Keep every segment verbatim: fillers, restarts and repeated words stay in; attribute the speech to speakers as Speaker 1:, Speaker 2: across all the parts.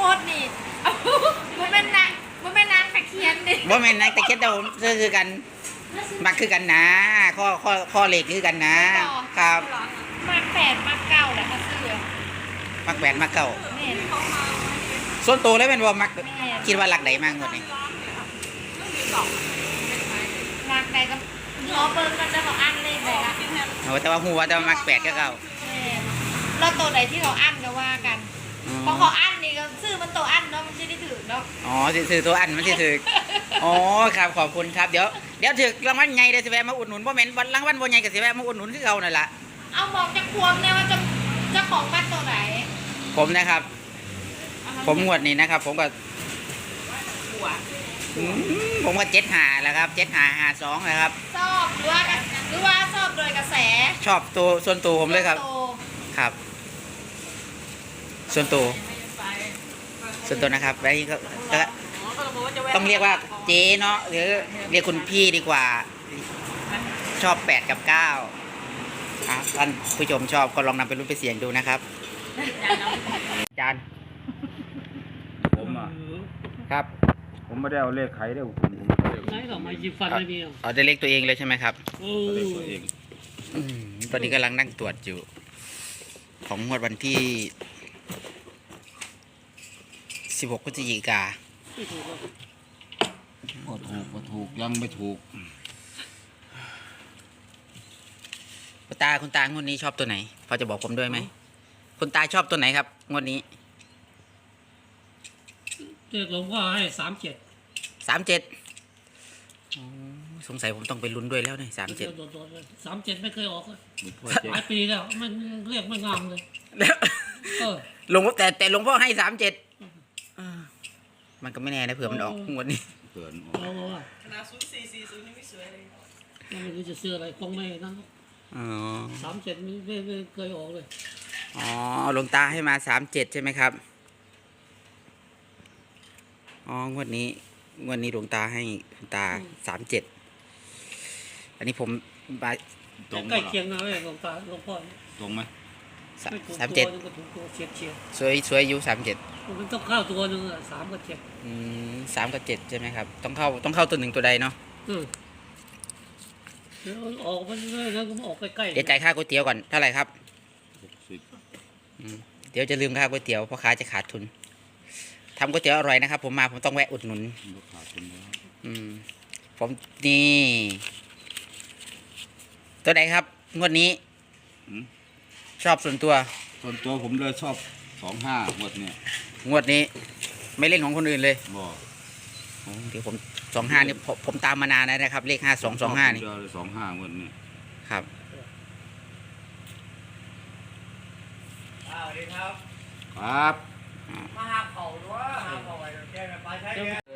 Speaker 1: ดนี่มันเป็นนางมันเป็นนางตะเคียนดิ
Speaker 2: ว่าแม่นนักแต่แค่แต่ผมคือกันมักคือกันนะข้อข้อข้อเหล็กคือกันนะครับ
Speaker 1: มาแปดมาเก้าแหละค่ะเสื้อ
Speaker 2: มักแปดมักเก้า
Speaker 1: แม่
Speaker 2: ส่วนตัวแล้วเป็นว่ามักคิดว่าหลักใดมากกว่านี้
Speaker 1: หลักใดก็ล้อเบิ้งกันจะบอกอันเลขไหนละ
Speaker 2: โอ้แต่ว่าหัวแต่ว่ามักแปดก็เก้า
Speaker 1: แล้วตัวไหนที่เขาอันก็ว่ากันพอเขาอันนี่ก็ซื้อมันตัวอันเนาะมันจะได้ถือเนาะ
Speaker 2: อ๋อซื้อตัวอันมันจะถืออ๋อครับขอบคุณครับเดี๋ยวเดี๋ยวถือรางวัลใหญ่เลยสิแวะมาอุดหนุนเพราะแม่นวันรางวัลบ่ใหญ่ก็สิแวะมาอุดหนุนคือเขานั่นแหละ
Speaker 1: เอาบอกจะควงเนี่ยว่าจะจะของวัดตัวไหน
Speaker 2: ผมนะครับผมงวดนี้นะครับผมก็ผมก็เจ็ดหาแล้วครับเจ็ดหาหาสองนะครับ
Speaker 1: ชอบหรือว่าหรือว่าชอบโดยกระแส
Speaker 2: ชอบตัวส่วนตัวผมเลยครับครับส่วนตัวส่วนตัวนะครับแล้วนี้ก็ต้องเรียกว่าเจ๊เนาะหรือเรียกคุณพี่ดีกว่าชอบแปดกับเก้าท่านผู้ชมชอบก็ลองนำไปรุ่นไปเสี่ยงดูนะครับจาน
Speaker 3: ผมอ่ะ
Speaker 2: ครับ
Speaker 3: ผมไม่ได้เอาเลขใครได้ผม
Speaker 4: ไหนหรอมายิบฟันไม่มี
Speaker 2: เอาได้เลขตัวเองเลยใช่ไหมครับ
Speaker 3: เลขตัวเอง
Speaker 2: ตอนนี้กำลังนั่งตรวจอยู่ของงวดวันที่สิบหกพฤศจิกา
Speaker 3: ก็ถูกก็ถูกยังไม่ถูก
Speaker 2: คุณตาคุณตางวดนี้ชอบตัวไหนพอจะบอกผมด้วยไหมคุณตาชอบตัวไหนครับงวดนี้
Speaker 4: เรียกหลวงพ่อให้สามเจ็ด
Speaker 2: สามเจ็ดสงสัยผมต้องไปลุ้นด้วยแล้วเนี่ยสามเจ็ด
Speaker 4: สามเจ็ดไม่เคยออกเลยหลายปีแล้วมันเรียกไม่งามเลย
Speaker 2: หลวงพ่อแต่แต่หลวงพ่อให้สามเจ็ดมันก็ไม่แน่นะเผื่อมันออกงวดนี้
Speaker 3: เผื่ออ
Speaker 4: อกขนาดศูนย์สี่สี่ศูนย์ยังไม่สวยเลยไม่รู้จะซื้ออะไรคงไม่นั่นสามเจ็ดไม่ไม่เคยออกเลย
Speaker 2: อ๋อหลวงตาให้มาสามเจ็ดใช่ไหมครับอ๋องวดนี้งวดนี้หลวงตาให้หลวงตาสามเจ็ดอันนี้ผมไป
Speaker 4: ตรงใกล้เคียงนะหลวงตาหลวงพ่อ
Speaker 3: ตรงไหม
Speaker 2: สามเจ็ดสวยสวยอยู่สามเจ็ด
Speaker 4: มันต้องเข้าตัวหนึ่งสามกับเจ็ด
Speaker 2: อืมสามกับเจ็ดใช่ไหมครับต้องเข้าต้องเข้าตัวหนึ่งตัวใดเนาะ
Speaker 4: เดี๋ยวออกมันเลยแล้วก็ออกใกล้ๆ
Speaker 2: เดี๋ยวจ่ายค่าก๋วยเตี๋ยวก่อนเท่าไหร่ครับเดี๋ยวจะลืมค่าก๋วยเตี๋ยวเพราะค้าจะขาดทุนทำก๋วยเตี๋ยวอร่อยนะครับผมมาผมต้องแวะอุดหนุนอืมผมนี่ตัวไหนครับงวดนี้ชอบส่วนตัว
Speaker 3: ส่วนตัวผมเลยชอบสองห้างวดเนี่ย
Speaker 2: งวดนี้ไม่เล่นของคนอื่นเลย
Speaker 3: บอก
Speaker 2: เดี๋ยวผมสองห้านี่ผมผมตามมานานนะครับเลขห้าสองสองห้านี่
Speaker 3: สองห้างวดนี้
Speaker 2: ครับ
Speaker 5: สวัสดีครับ
Speaker 3: ครับ
Speaker 5: มาหาเขาด้วยหาเขาไว้แก้ไปใช้แก้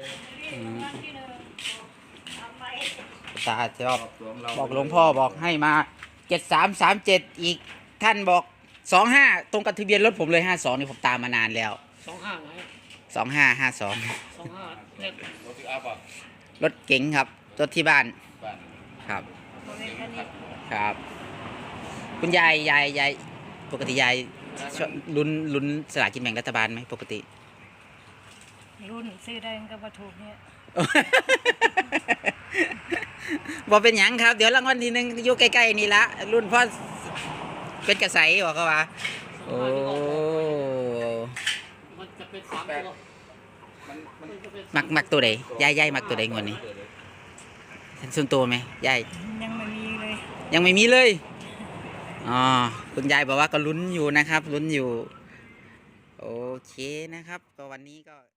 Speaker 2: ตาชอบบอกหลวงพ่อบอกให้มาเจ็ดสามสามเจ็ดอีกท่านบอกสองห้าตรงกับทะเบียนรถผมเลยห้าสองนี่ผมตามมานานแล้ว
Speaker 4: สองห้าไหน
Speaker 2: สองห้าห้าสอง
Speaker 4: สองห้าเล็ก
Speaker 3: รถอัพอ่ะ
Speaker 2: รถเก๋งครับรถที่บ้านครับครับคุณยายยายยายปกติยายลุ้นลุ้นสลากกินแบ่งรัฐบาลไหมปกติ
Speaker 1: รุ่นซื้อได้ก็มาถูกเนี่ย
Speaker 2: บอกเป็นหยังครับเดี๋ยวรางวัลทีนึงอยู่ใกล้ๆนี่ละรุ่นพ่อเป็นกระใสบอกเขาว่าโอ้
Speaker 4: มันจะเป็นสามตัว
Speaker 2: มักมักตัวใดยายยายมักตัวใดงวดนี้ส่วนตัวไหมยาย
Speaker 1: ยังไม่มีเลย
Speaker 2: ยังไม่มีเลยอ๋อคุณยายบอกว่าก็ลุ้นอยู่นะครับลุ้นอยู่โอเคนะครับก็วันนี้ก็